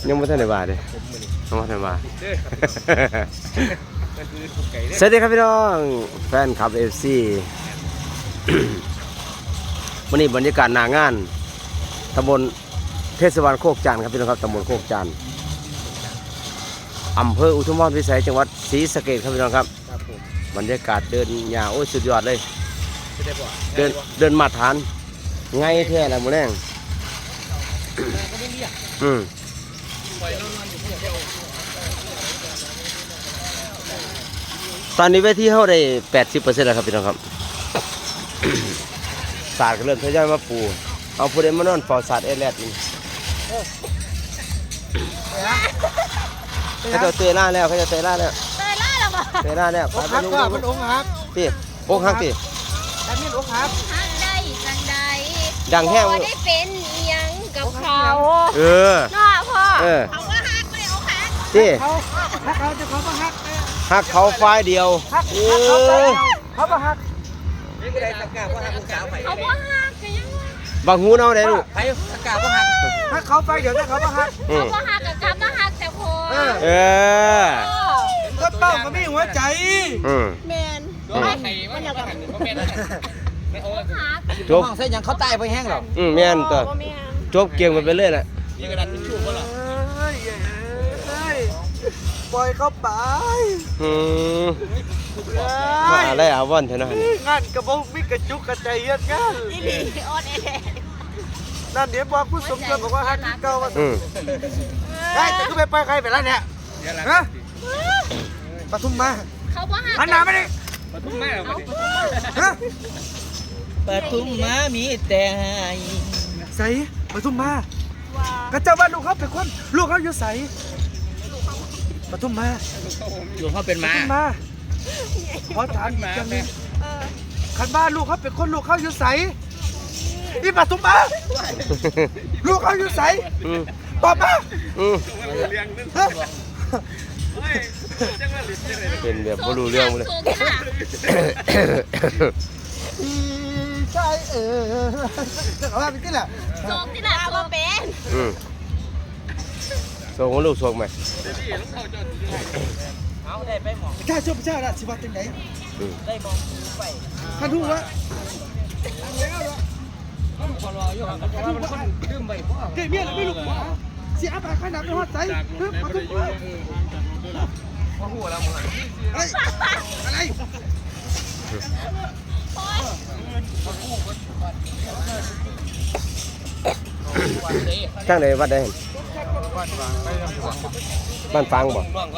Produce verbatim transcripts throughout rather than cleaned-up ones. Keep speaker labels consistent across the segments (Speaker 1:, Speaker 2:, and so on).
Speaker 1: ยังไม่ทันได้บาทเลยยังไม่ทันบาทสวัสดีครับพี่น้องแฟนคลับเอฟซีวันนี้บรรยากาศหน้างานตำบลเทศบาลโคกจันทร์ครับพี่น้องครับตำบลโคกจันทร์อำเภออุทุมพรพิสัยจังหวัดศรีสะเกษครับพี่น้องครับบรรยากาศเดินหญ้าโอ้ยสุดยอดเลยเดินเดินมาทานไงแท้ละมื้อแรงอืมตอนนี้เวทีเขาได้ แปดสิบเปอร์เซ็นต์ แล้วครับพี่น้องครับ ศาสตร์ก็เริ่มทยอยมาปูเอาผู้ใดมานอนเฝ้าศาสตร์เอแลดนี่เขาจะเตะล่าแล้วเขาจะเตะล่าแล้ว
Speaker 2: เตยล่าแล้วบ่
Speaker 1: เตะล่าแล้ว
Speaker 3: อกหักว่ามันอกหัก
Speaker 1: พี่อกหักพี่
Speaker 3: แต่มีอกหัก
Speaker 2: หักได้จังใด
Speaker 1: ดังแห้ง
Speaker 2: ได้เป็นหยังกับเขา
Speaker 1: เออ
Speaker 2: เนาะพ่อ
Speaker 1: เออ
Speaker 2: เขาว่าหักไม่ได้อกหัก
Speaker 1: พี่
Speaker 3: เขาเขาจะเขาก็หัก
Speaker 1: หักเขาฝ่ายเดียวเออ
Speaker 3: เขาก็หัก
Speaker 2: เขาว่าหักกันยัง
Speaker 1: บางหูเนาได้ลูก
Speaker 3: ใครตะกาก็หักถ้าเขาไปเดี๋ยวถ้าเขาก็หัก
Speaker 2: เขาว่าหักกับกลับมาหักแต่พอ
Speaker 1: เออ
Speaker 3: ก็เป้ามันไม่หัวใจ
Speaker 2: แมนมันอยากแบบ
Speaker 1: จบ
Speaker 3: เส้นยังเขาตายไปแห้งหรอ
Speaker 1: อืมแม่นตัวจบเกี่ยงไปเรื่อยแหละ
Speaker 3: นี่กระดาษทิชชู่ก็หรอปล่อยเขาไป
Speaker 1: อืมมาได้อาวันเท่านั้น
Speaker 3: งานกระบอกมิกระจุกกระใจเย็นงาน
Speaker 2: นี่ดีออนเอ
Speaker 3: นั่นเดี๋ยวบอกผู้สมเกิดบอกว่าฮักเก่าว่าได้แต่ก็ไปไปใครไปแล้วเนี่ยฮะปทุมมา
Speaker 2: เขาว่าหัก
Speaker 3: หันหน้าไม่ได้
Speaker 4: ปทุมมาเหรอ
Speaker 3: ฮะ
Speaker 4: ปทุมมามีแต่
Speaker 3: ใส่ปทุมมากระเจ้าบ้านลูกเขาเป็นคนลูกเขาอยู่ใส่ปทุมมา
Speaker 4: อยู่เขาเป็นม้า
Speaker 3: มาขอถามอีกอย่างนึงขันบ้านลูกเขาเป็นคนลูกเขาอยู่ใส่นี่ปทุมมาลูกเขาอยู่ใส่ตอบมา
Speaker 1: เป็นแบบไม่รู้เรื่องเลย
Speaker 3: ใช่เออจะเอาไปที่ไหน
Speaker 2: โจกที่ไหนเอาเป็น
Speaker 1: โซ่ของลูกโซ่ไหม
Speaker 4: เอาได้ไปหมอง
Speaker 3: ข้าชอบเจ้าละสิวัตรไหน
Speaker 4: ได้มองไป
Speaker 3: ข้าดูว่า
Speaker 4: พอรออยู่ห่างกันว่ามันคนดื่มไปเพราะ
Speaker 3: เดี๋ยวเมียเราไม่รู้ว่าเสียไปข้าหนักไปหัวใจเพิ่มมาทุกวันมาหัวเราเหมือนอะไร
Speaker 1: ข้างไหนวัดได้บ้านฟังบ่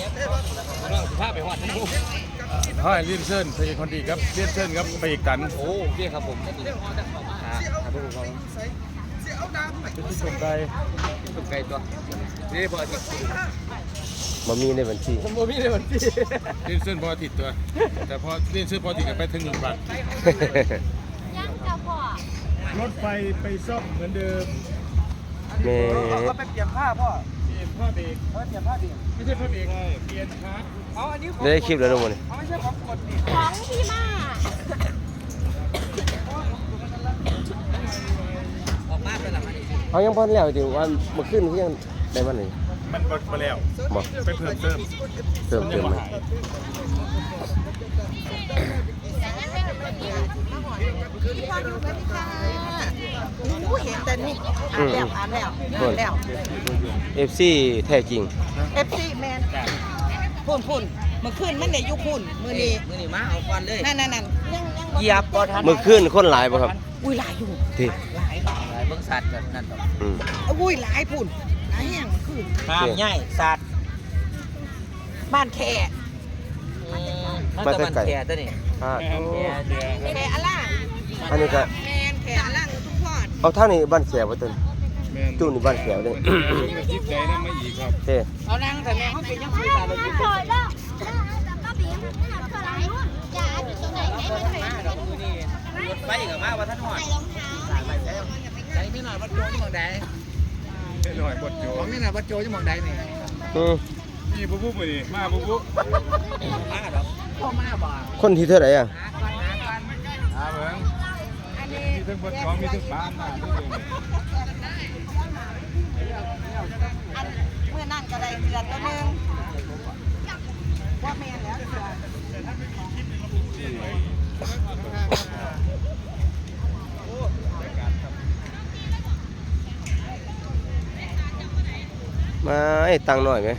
Speaker 5: ให้เลี้ยนเส้นพยาคนดีครับเลี้ยนเส้นครับไปอีกกัน
Speaker 4: โอ้เรียกครับผม
Speaker 5: ครับทุกคนเป็นสมไก่
Speaker 4: สมไก่ตัวนี่พออาทิตย์
Speaker 1: มามีในบัญชี
Speaker 4: มามีในบัญชี
Speaker 5: เลี้ยนเส้นพออาทิตย์ตัวแต่พอเลี้ยนเส้นพออาทิตย์ไปถึงหนึ่งบาท
Speaker 2: ยังจะพอ
Speaker 5: รถไฟไปซ่อมเหมือนเดิม
Speaker 1: แม่
Speaker 3: ก็ไปเปลี่ยนผ้าพ่อ
Speaker 5: เปลี่ยนผ้าเบรก
Speaker 3: เปลี่ยนผ้าเบรก
Speaker 5: ไม่ใช่ผ้าเบรกเปลี่ยนคาร์
Speaker 3: เอาอันนี้
Speaker 1: ได้คลิปแล้วทุกคน
Speaker 3: ไม่ใช่ของกดนี่
Speaker 2: ของพี่มา
Speaker 4: ออกมาเป็นอะไร
Speaker 1: เอายังพอแล้วจริงว่าเมื่อคืนที่ยังได้มันเลย
Speaker 5: มันบดมาแล้ว
Speaker 1: บอก
Speaker 5: ไปเพิ่มเติม
Speaker 1: เติมเติมไหม
Speaker 2: เห็นแต่นี่อ่านแล้วอ่านแล้วอ่านแล้ว
Speaker 1: เอฟซีแท้จริง
Speaker 2: เอฟซีแมนพุ่นพุ่นเมื่อคืนมันได้ยุพุ่นมือนี้
Speaker 4: มือนี้มาเอาควันเลย
Speaker 2: นั่นนั่นนั่น
Speaker 4: เหยียบบ่ทัน
Speaker 1: เมื่อคืนคนหลายป่ะครับ
Speaker 2: อุ้ยหลายอยู่
Speaker 1: ที่
Speaker 2: หลาย
Speaker 4: หลายเบิ่งสัตว์กันนั่นต่อ
Speaker 1: อืม
Speaker 2: อุ้ยหลายพุ่นหลายแห่งคืน
Speaker 4: น้ำใหญ่สัตว์
Speaker 2: บ้านแค่
Speaker 4: มันก็มันแค่ตัวนี้
Speaker 1: อ่า
Speaker 2: แค่อะไร
Speaker 1: อันนี้ก็
Speaker 2: แมนแค่อะไรทุกพอด
Speaker 1: เอาท่านี้บ้านแขวว่าต้นจุ่นนี่บ้านแขวเลย
Speaker 5: จิบใจน้ำไม่อีกครับ
Speaker 1: เฮ้
Speaker 4: เอานั่งแต่แม่เขาเป็นยังไงแต่เราจิบใจรถไฟกับมาว่าท่านหอดใจที่หน่อยวัดโจที่มองใด
Speaker 5: หน่อยบดโจ
Speaker 4: ของนี่น่ะวัดโจที่มองใดนี่
Speaker 5: นี่ปุ๊บปุ๊บเลยมาปุ๊บปุ๊บ
Speaker 4: มาดอกพ่อมาบ่
Speaker 1: คนที่เท่าไหร่อ่ะ
Speaker 5: อาเบิ้งมีทั้งบดของมีทั้งบ้านมาทุกอย่าง
Speaker 1: มาไอ้ตังค์หน่อยไหม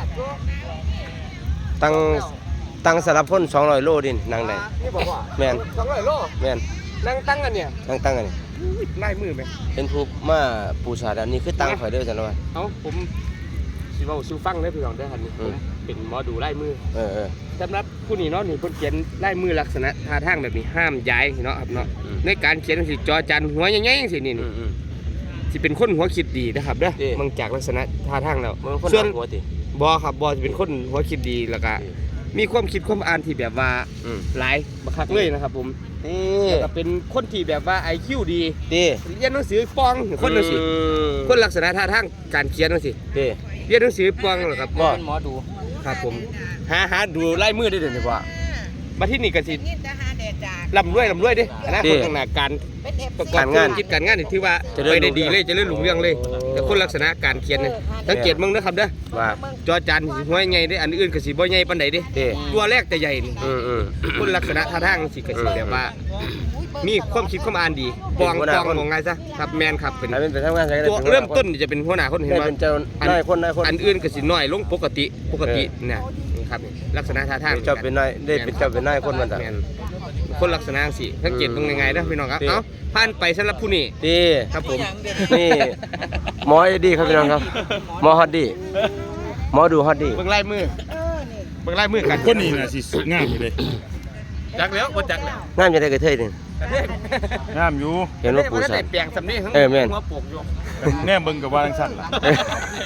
Speaker 1: ตังค์ตังค์สารพันสองร้อยโลดินนางไหน
Speaker 3: นี่บอกว่า
Speaker 1: แม่น
Speaker 3: สองร้อยโล
Speaker 1: แม่น
Speaker 3: นั่งตั้งกันเนี่ย
Speaker 1: ตังค์ตังค์อันนี้
Speaker 3: ไล่มือไหม
Speaker 1: เป็นผู้มาปูชาดอันนี้คือตังค์ข่อยเด้อจังว่า
Speaker 3: เอ้าผมสิเว้าสิฟังได้พี่น้องได้อหันนี่
Speaker 1: อื
Speaker 3: ผม
Speaker 1: ม
Speaker 3: เป็นหมอดูไล่มือ
Speaker 1: เออเออ
Speaker 3: สำหรับผู้นี้เนาะนี่เพิ่นเขียนไล่มือลักษณะท่าทางแบบนี้ห้ามย้ายเนาะครับเนาะ
Speaker 1: อืม
Speaker 3: ในการเขียนสิจอจันหัวใหญ่ๆจังซี่นี่
Speaker 1: อื
Speaker 3: นี่
Speaker 1: มอืม
Speaker 3: สิเป็นคนหัวคิดดีนะครับเด้อ
Speaker 1: เด้
Speaker 3: เบิ่งจากลักษณะท่าทางแล้ว
Speaker 1: มันคน
Speaker 3: ส่วน
Speaker 1: หนักหัวติ
Speaker 3: บอครับบอจะเป็นคนหัวคิดดีแล้วก็
Speaker 1: เด้
Speaker 3: มีความคิดความอ่านที่แบบว่า
Speaker 1: อืม
Speaker 3: หลายบักคักเลยนะครับผม
Speaker 1: นี่
Speaker 3: แล้วก็เป็นคนที่แบบว่า ไอ คิว ดี
Speaker 1: ดี
Speaker 3: เรียนหนังสือปองคนจังซี่
Speaker 1: อืม
Speaker 3: คนลักษณะท่าทางการเขียนจังซี่
Speaker 1: ดี
Speaker 3: เรียนหนังสือปองเหรอครับ
Speaker 1: บ่
Speaker 3: เป็นหมอดูครับผมหาหาดูลายมือได้เดี๋ยวนี้ว่ามาที่นี่ก็สิ
Speaker 2: นี่จะหาแดดจาก
Speaker 3: ร่ำรวยร่ำรวยเดิอนาคตข้างหน้าการ
Speaker 2: เป็นเอฟ
Speaker 3: ประ
Speaker 2: ซี
Speaker 3: กอบธุรกิจการงานนี่ถือว่า
Speaker 1: เจริญ
Speaker 3: ไปได้ดี
Speaker 1: รุ่งเรื
Speaker 3: เล
Speaker 1: อง
Speaker 3: ยเจะเลื่อนหลุงเรื่องเลย
Speaker 1: โอ้
Speaker 3: แต่คนลักษณะการเขียนนี่สังเกตมึงนะครับเด้อ
Speaker 1: ว่า
Speaker 3: จอจานสิหัวใหญ่เด้อันอื่นก็สิบ่ใหญ่ปานใดเด้
Speaker 1: เด้
Speaker 3: ตัวแรกแต่ใหญ่นี่
Speaker 1: อืมอืม
Speaker 3: คนลักษณะท่าทางสิก็สิแบบว่า มีความคิดความอ่านดีปอง
Speaker 1: เป็นหัวห
Speaker 3: ป
Speaker 1: น้า
Speaker 3: อง
Speaker 1: คน
Speaker 3: มองไงซะครับแมนครับเป็น
Speaker 1: ให้เป็นไปทำงานใช้ก็ได้
Speaker 3: ตัว
Speaker 1: ป็นหัวหา
Speaker 3: เริ่มต้นนี่จะเป็นหัวหน้าคนเห็น
Speaker 1: ได้
Speaker 3: ว่า
Speaker 1: เป็นเจ้านายคนนายคน
Speaker 3: อันอื่นก็สิน้อยลงปกติปกติเนี่ยนี่ครับลักษณะท่าทาง
Speaker 1: เจ้าเป็นนายได้เป็นเจ้าเป็นนายคนมันอ่ะ
Speaker 3: แม่นคนลักษณะสิสังเกตตรงยังไงนะพี่น้องครับ
Speaker 1: ดี
Speaker 3: เอ้าผ่านไปสำหรับผู้นี้
Speaker 1: ดี
Speaker 3: ครับผม
Speaker 1: นี่หมอไอ้ดีครับพี่น้องครับหมอฮอตดีหมอดูฮอตดี
Speaker 3: เบิ่งลายมือเบิ่งลายมือกัน
Speaker 5: คนนี้น่ะสิงามอยู่เลย
Speaker 3: จักแล้วบ่จักแล้ว
Speaker 1: งามจะได้กระเทยนี่
Speaker 5: งามอยู่
Speaker 1: เห็นว่าปู
Speaker 3: ได้
Speaker 1: สา
Speaker 3: แต่แปลงสำนี้ทั้ง
Speaker 1: เออแม่น
Speaker 3: หัวโปกอยู่
Speaker 5: แน่เบิ่งกับว่าจังซั่นล่ะ
Speaker 1: เอ้ย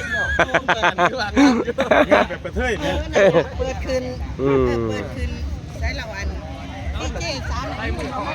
Speaker 5: งามแบบกระเทยแม่
Speaker 2: เปิดคืน
Speaker 1: อืม
Speaker 2: เปิดคืนใช้ละวันดีเจสามไอ้มือเขา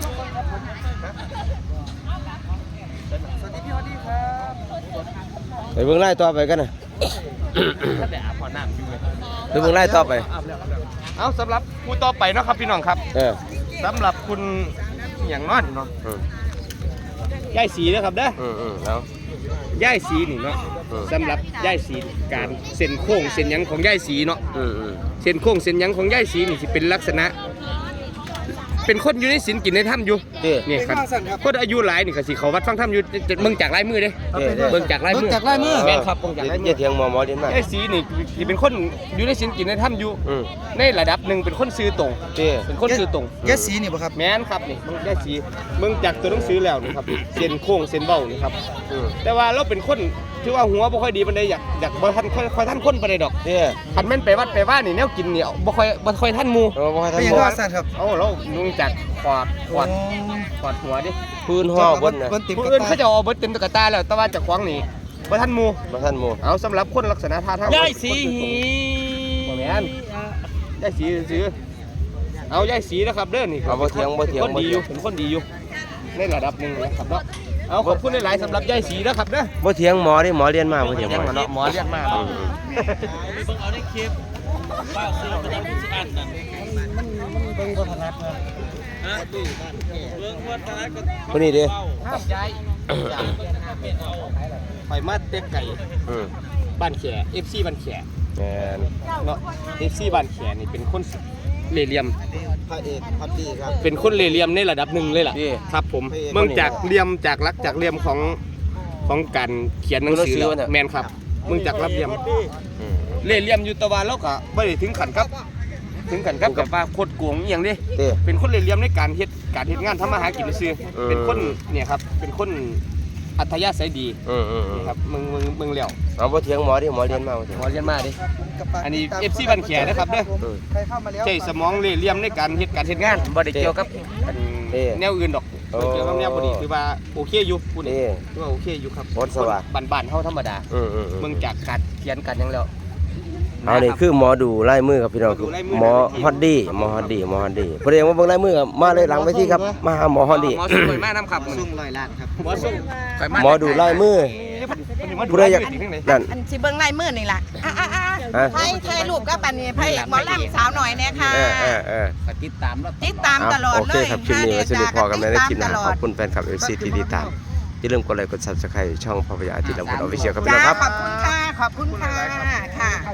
Speaker 1: ไปเบิ่งไล่ต่อไปกันนะ
Speaker 3: แต่อาบน้ำอยู่เลย
Speaker 1: ไปเบิ่งไล่ต่อไป
Speaker 3: เอาสำหรับผู้ต่อไปเนาะครับพี่น้องครับ
Speaker 1: เออ
Speaker 3: สำหรับคุณอย่างนอนเนาะ
Speaker 1: อืม
Speaker 3: ย่ายสีนะครับเด้อ
Speaker 1: อืมอืมแล้ว
Speaker 3: ย่ายสีนี่เนาะ
Speaker 1: อืม
Speaker 3: สำหรับย่ายสีการเส้นโค้งเส้นหยังของย่ายสีเนาะ
Speaker 1: อืมอืม
Speaker 3: เส้นโค้งเส้นหยังของย่ายสีนี่สิเป็นลักษณะ เป็นคนอยู่ในศีลกินในถ้ำอยู่
Speaker 1: เด้
Speaker 3: นี่ครับคนอายุหลายนี่ก็สิเขาวัดฟังถ้ำอยู่จะเบิ่งจากลายมือเด้
Speaker 1: เด้เด้
Speaker 3: เบิ่งจากลายมือ
Speaker 2: เบิ่งจากลายมือ
Speaker 3: แม่นครับเบิ่งจากลายมื
Speaker 1: อย่า
Speaker 3: อ
Speaker 1: เถียงหมอหมอเรียนมา
Speaker 3: ย่ายสีนี่สิเป็นคนอยู่ในศีลกินในถ้ำอยู่
Speaker 1: อืม
Speaker 3: ในระดับหนึ่งเป็นคนซื้อตรง
Speaker 1: เด้
Speaker 3: เป็นคนซื้อตรง
Speaker 2: ยาสีนี่บ่ครับ
Speaker 3: แม่นครับนี่มึงได้สีมึงจากตัวหนังสือแล้วนี่ครับเส้นโค้งเส้นเบ้านี่ครับ
Speaker 1: อืม
Speaker 3: แต่ว่าเราเป็นคนที่ว่าหัวบ่ค่อยดีปานใดอยากอยากบ่ทันค่อยค่อยทันคนปานใดดอก
Speaker 1: เด้
Speaker 3: คันแม่นไปวัดไปว่านี่แนวกินนี่บ่ค่อยบ่ค่อยทันหมู่
Speaker 1: เราบ่ให้
Speaker 2: เป็น
Speaker 1: ทำ
Speaker 2: ยัง
Speaker 1: บ่
Speaker 2: ไงสั่นครับ
Speaker 3: เอ้าเรานุ่งจากขอดขอดขอดหัวดิ
Speaker 1: พื้นห่อบนน่ะ
Speaker 2: ติด
Speaker 3: ผู้
Speaker 2: กระ
Speaker 3: อื่น
Speaker 2: ตา
Speaker 3: เขาจะเอาเบิดเต็มตะกะตาแล้วแต่ว่าเจากขวางนี่บ่ทันหมู่
Speaker 1: บ่ทันหมู่
Speaker 3: เอาสำหรับคนลักษณะท่าทาง
Speaker 4: ย่ายสีหี
Speaker 3: บ่แม่นยายสีซื้อเอายายสีนะครับเด้อนี่
Speaker 1: เอาบ่เถียงบ่เถียง
Speaker 3: คน
Speaker 1: บ่
Speaker 3: ดีอ
Speaker 1: เถีย
Speaker 3: ยู่
Speaker 1: ง
Speaker 3: เป็นคนดีอยู่ในระดับหนึงนะครับเนาะเอาขอบคุณหลายๆสำหรับยายสีนะครับเด้อ
Speaker 1: บ่เถียงหมอดิหมอเรียนมาบ่เถียงห
Speaker 3: ยัง
Speaker 1: มอ
Speaker 3: มาเนาะหมอเรียกมา
Speaker 1: อืม
Speaker 4: เบิ่งเอาในคลิปป้าซื้อมาจากที่อันนั่นเบิ่งบ่ถนัดนะฮะเบิ่งบ่ถนัดก็
Speaker 1: คนนี้เด้
Speaker 3: ครับยายไปมาเต็กไก่
Speaker 1: อืม
Speaker 3: บ้านแข เอฟ ซี บ้านแข
Speaker 1: แม่น
Speaker 3: เนาะ เอฟ ซี บ้านแขนี่เป็นคนเหล่เหลี่ยม
Speaker 2: พระเอกพัดดีครับ
Speaker 3: เป็นคนเหล่เหลี่ยมในระดับหนึ่งเลยล่ะ
Speaker 1: เด้
Speaker 3: ครับผมเมืองจากเหลี่ยมจากลักจากเหลี่ยมของของการเขียนหนังสือแล้วแมนครับเมืองจากรับเหลี่ยม
Speaker 1: อืม
Speaker 3: เหล่เหลี่ยมอยู่แตะวันแล้วก็บ่ได้ถึงขันครับ ถึงขันครับแบบว่าโคตรโกงอหย่างนี้
Speaker 1: เด้
Speaker 3: เป็นคนเหล่เหลี่ยมในการเฮ็ดการเฮ็ดงานทำมาหากินซื่อ
Speaker 1: อืม
Speaker 3: เป็นคนเนี่ยครับเป็นคนอัธยาศัยดี
Speaker 1: อืมอืมอืม
Speaker 3: นี่ครับมึงมึงมึงแล้ว
Speaker 1: เอาบ่เถียงหมอดิหมอเรียนมาบ่เถียง
Speaker 3: หมอเรียนมาดิอันนี้ เอฟ ซี บ้านแขนะครับเด้อ
Speaker 1: อืม
Speaker 2: ใครเข้ามาแล้ว
Speaker 3: ใช้สมองเหล่เหลี่ยมในการเฮ็ดการเฮ็ดงานบ่ได้เกี่ยวกับอัน
Speaker 1: เด้
Speaker 3: แนวอื่นดอก
Speaker 1: โอ้
Speaker 3: บ่เกี่ยวกับแนวบ่ดีคือว่าโอเคอยู่พูด
Speaker 1: เด้
Speaker 3: คือว่าโอเคอยู่ครับ
Speaker 1: โคตรสว่าง
Speaker 3: คนบ้านๆเฮาธรรมดา
Speaker 1: อืมอืมอืม
Speaker 3: เบิ่งจากการเขียนกันหยังแล้ว
Speaker 1: เอานี่คือหมอดูไล่มือครับพี่น้องคือหมอฮอดดี้หมอฮอดดี้หมอฮอดดี้พอดีว่าเบิ่งไล่มือครับมาเลยหลังไปที่ครับมาหาหมอฮอดดี้
Speaker 3: หมอส่งไปมานํครับ
Speaker 2: ซุ่มร้อยล้านครับ
Speaker 3: หมอส่งไป
Speaker 1: หมอดูไล่มือ ผู้ใดอยาก นั่น
Speaker 2: อันสิเบิ่งลายมือนี่ล่ะอ่ะอ่ะอ่ะ
Speaker 1: ฮะ
Speaker 2: ไทยไทยรูปก็ปันนี้พระเอกหมอลำสาวหน่อยเนี่ยค่ะ
Speaker 1: เออเออเออ
Speaker 3: ติดตามแล้ว
Speaker 2: ติดตามตลอด
Speaker 1: โอ
Speaker 2: เล
Speaker 1: เค
Speaker 2: ย
Speaker 1: ครับคลิปนี้ไว้สวัสดีพอกันในคลิปหนะ
Speaker 2: ตามตล
Speaker 1: ข
Speaker 2: อ
Speaker 1: อ
Speaker 2: ด
Speaker 1: บคุณแฟนคลับ เอฟ ซี ที่ติดตามอย่าลืมกดไลค์กด ซับสไครบ์ ช่องภาพยาอาทิตย์ลำพูนออฟฟิเชียลครับพี่
Speaker 2: จ้า
Speaker 1: น้องครับ
Speaker 2: ขอบคุณค่ะ ขอบคุณค่ะค่ะ